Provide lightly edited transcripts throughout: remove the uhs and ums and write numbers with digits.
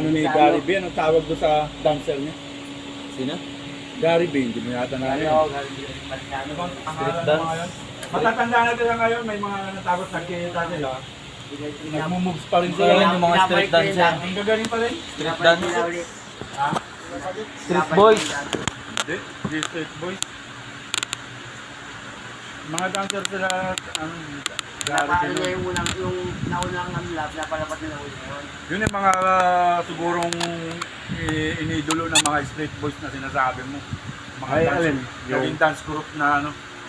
ano ni Gary B, anong tawag doon sa dancer niya? Sino? Gary B, hindi mo yata na yun. Street dance? Matatanda na sila ngayon, may mga natapos nagkita sila. Nagmo-moves pa rin sila. Ayan yung mga street dancer. Ang gagaling pa rin. Street dance? Ha? Street boys? Hindi street boys. Mga dancer sila, ang Gary B. Napalo niya yung naunang lab, napalapat nila yun. Yun yung mga sigurong inidolo ng mga street boys na sinasabi mo. Mga Ay, dance, alin? naging dance group na ano.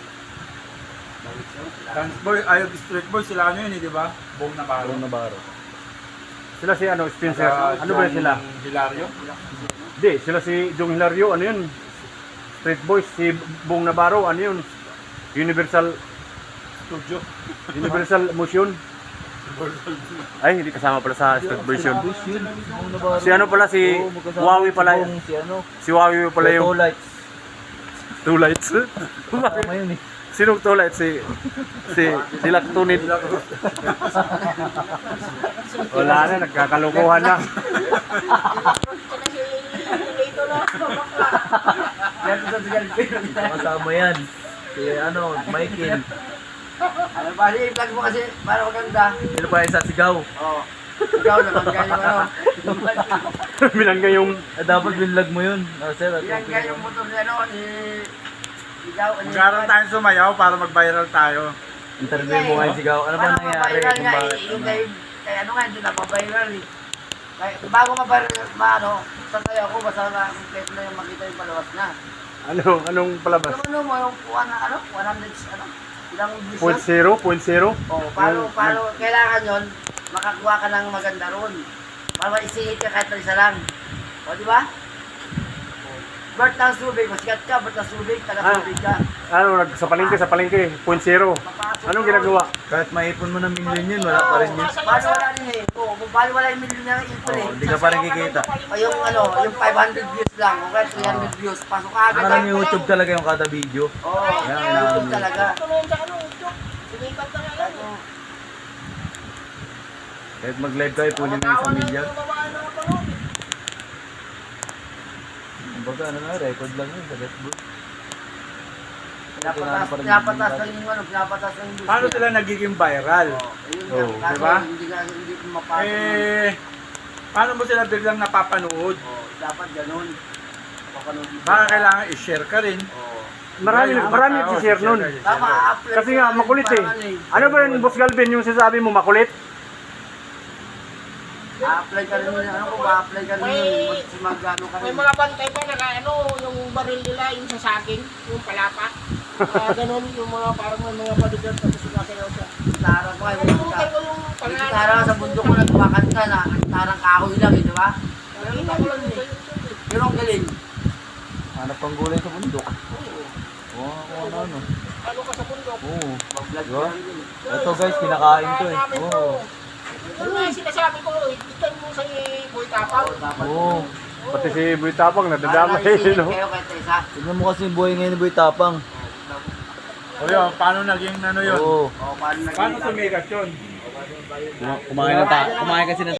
Dance boy, ay street boy sila ano yun, di ba? Bong Navarro. Bong Navarro. Sila si ano, Spencer. Ano ba yun sila? Hilario? Hindi, sila si Jong Hilario. Ano yun? Street Boys. Si Bong Navarro. Ano yun? Universal Studio. Universal Motion. Ay, hindi kasama pala sa Street Boys yun. Si ano pala, si Wawi pala. Si ano? Si Wawi pala yung Two lights. Two Lights. Tama yun eh. Sinong Two Lights? Si Dilak Tunid. Wala na, nagkakalukuhan na. Kasama yan. Si ano, Michael. Ano ba, i-vlog mo kasi para maganda. Sino pa isa sigaw? Oo. Ikaw naman kayo ano. Bilangga yung Dapat binlog mo yun. Sir, at Yan kayo yung motor ni ano, ni... Ikaw, ano Magkaroon tayong sumayaw para mag-viral tayo. interview mo ngayon sigaw. Ano ba nangyari? Paano Kung nga, bakit? yung kaya ano nga, hindi na mabayaran eh. Kaya bago ano, sasayaw ko, basta na complete na yung makita yung palabas na. anong palabas? Yung ano mo, yung 100, ano, ilang views Point na? zero? Point zero? Oh, paano, kailangan yon makakuha ka ng maganda ron. Para maisihit ka kahit na isa lang. O, di ba? Bert ng Subic, masikat ka, Bert ng Subic, taga-Subic ka. Ano, sa palengke, point zero. Papasok Anong ka. ginagawa? Kahit maipon mo ng milyon yun, wala pa rin yun. Paano wala rin eh? Oo, kung paano wala yung milyon na ipon eh. Hindi ka pa rin kikita. O yung ano, yung 500 views lang, o kaya 300 views, pasok ka agad. Parang YouTube talaga yung kada video. Oo, YouTube talaga. Kahit mag-live kayo, punin mo yung isang milyon. Kumbaga, ano na, record lang yun sa Facebook. Pinapatas lang yung ano, pinapatas lang yung views. Paano sila nagiging viral? Oo, di ba? Hindi ko mapasok. Paano mo sila biglang napapanood? Oo, dapat ganun. Papanood mo. Baka kailangan i-share ka rin. Oo. Marami nag-share nun. Tama, apply Kasi nga, makulit eh. Ano ba yun, Boss Galvin, yung sinasabi mo makulit? A-apply ka rin yun, ano ko ba, apply ka rin yun, mag-ano ka May rin. mga bantay pa na ano, yung baril nila, yung sa saging, yung palapa. Ganun, yung mga parang may mga bodyguard tapos sumasayaw siya. Tarang ko ay Nakalimutan ko yung Yung pangalan. tarang sa bundok ko nagkumakanta na, tarang kahoy lang eh, di ba? Nakita ko lang yun sa YouTube eh. Pero ang galing. Hanap pang gulay sa bundok. Oo, ano. Ano ka sa bundok? Oo. Mag-vlog Diba? ka rin yun. Ito guys, kinakain to eh. Namin to. Oo. Ano nga yung sinasabi ko, itan mo sa Boy Tapang. Oo. Pati si Boy Tapang, nadadama Para naisingit no? kayo kahit isa. Tignan mo kasi yung buhay ngayon ni Boy Tapang. O yun, paano naging ano yun? Oo. O, paano Paano sumikat yun? Kumain kasi ng